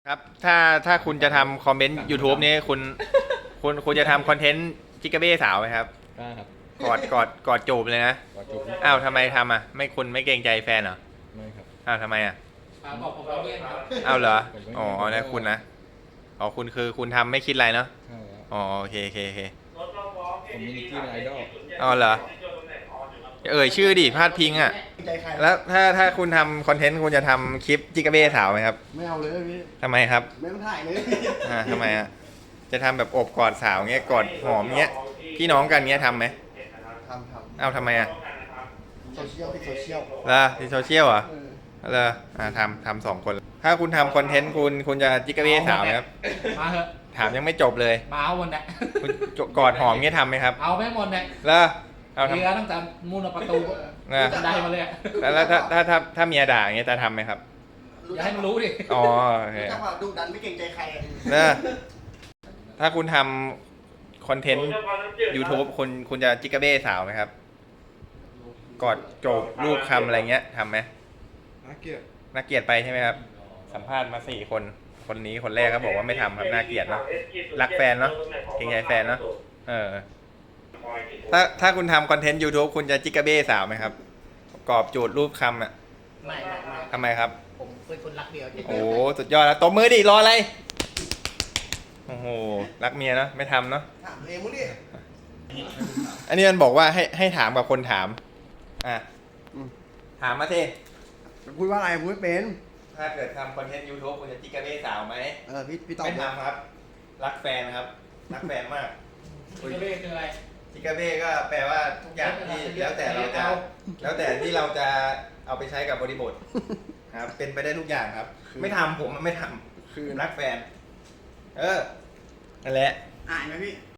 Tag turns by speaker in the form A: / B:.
A: ครับถ้าคุณจะทำคอมเมนต์ YouTube นี้คุณจะทำคอนเทนต์จิกาเบ้สาวไหมครับ
B: ได้ครับ
A: กอดจูบเลยนะ
B: กอดจูบ
A: อ้าวทำไมทำอ่ะไม่คุณไม่เกรงใจแฟนเหรอ
B: ไม่ครับ
A: อ้าวทำไมอ่ะ
C: บอกผมเราเล่นครับ
A: อ้าวเหรอ
B: ผมไม่
A: อ๋อนะคุณนะอ๋อคุณคือคุณทำไม่คิดอะไรเนาะ
B: ใช่แล้ว
A: อ๋อโอเคโอเคโอเค
B: ผมมีนิกกี้เป็นไอดอล
A: อ๋อเหรอเอ่ยชื่อดิพาดพิงอ่ะแล้วถ้าคุณทำคอนเทนต์คุณจะทำคลิปจิกาเบ้สาวไหมครับ
D: ไม่เอาเลยพี่
A: ทำไมครับ
D: ไม่ต้องถ่ายเลย
A: ทำไมอ่ะจะทำแบบอบกอดสาวเงี้ยกอดหอมเงี้ยพี่น้องกันเงี้ยทำไหม
D: ทำ
A: เอ้าทำไมอ่ะ
D: โซเชียลพี่โซเชียล
A: ล่ะที่โซเชียลเหรอ
D: เออ
A: เหรอทำ2 คน ถ้าคุณทำคอนเทนต์คุณจะจิกาเบ้สาวไหมครับ
C: มาเถอะ
A: ถามยังไม่จบเลย
C: มาเอาหมดแหละ
A: คุณกอดหอมเงี้ยทำไหมครับ
C: เอาไม่หมดแหละ
A: เหรอเอาทำ
C: เรือตั้งแต่มูลประตู
A: นะ
C: บันไดมาเลยอะ
A: แล้วถ้าเมียด่าอย่างเงี้ยจะทำไหมครับ
C: อย่าให้มันรู้ดิ
A: อ๋อโอเค
D: รู้จักว่าดุดันไม่เกรงใจใคร
A: นะถ้าคุณทำคอนเทนต์ YouTube คุณจะจิกาเบ้สาวไหมครับกอดโจบรูปคำอะไรเงี้ยทำไหม
B: น่าเกลียด
A: น่าเกลียดไปใช่ไหมครับสัมภาษณ์มา4 คนคนนี้คนแรกก็บอกว่าไม่ทำครับน่าเกลียดเนาะรักแฟนเนาะเกรงใจแฟนเนาะถ้าคุณทำคอนเทนต์ YouTube คุณจะจิกาเบ้สาวไหมครับกรอบจูดรูปคำอ่ะ
D: ไม่
A: ทำไมครับ
D: ผมเป็นคนรักเดียว
A: โอ้โหสุดยอดแล้วตบมือดิรออะไรโอ้โหรักเมียเนาะไม่ทำเนาะ
D: ถามเองมึงดิ
A: อันนี้มันบอกว่าให้ถามกับคนถามอ่ะถามมาสิ
D: พูดว่าอะไรพูดไม่เป็น
A: ถ้าเกิดทำคอนเทนต์ YouTube คุณจะจิกาเบ้สาวไหม
D: พี่ตอบ
A: ไม่ทำครับรักแฟนครับรักแฟนมาก
C: จิกาเบ้คืออะไร
A: จิกาเบ้ก็แปลว่าทุกอย่างที่แล้วแต่ที่เราจะเอาไปใช้กับบริบทครับเป็นไปได้ทุกอย่างครับ ไม่ทำผมไม่ทำคือรักแฟนนั่นแหละ
D: อ่านไหมพี่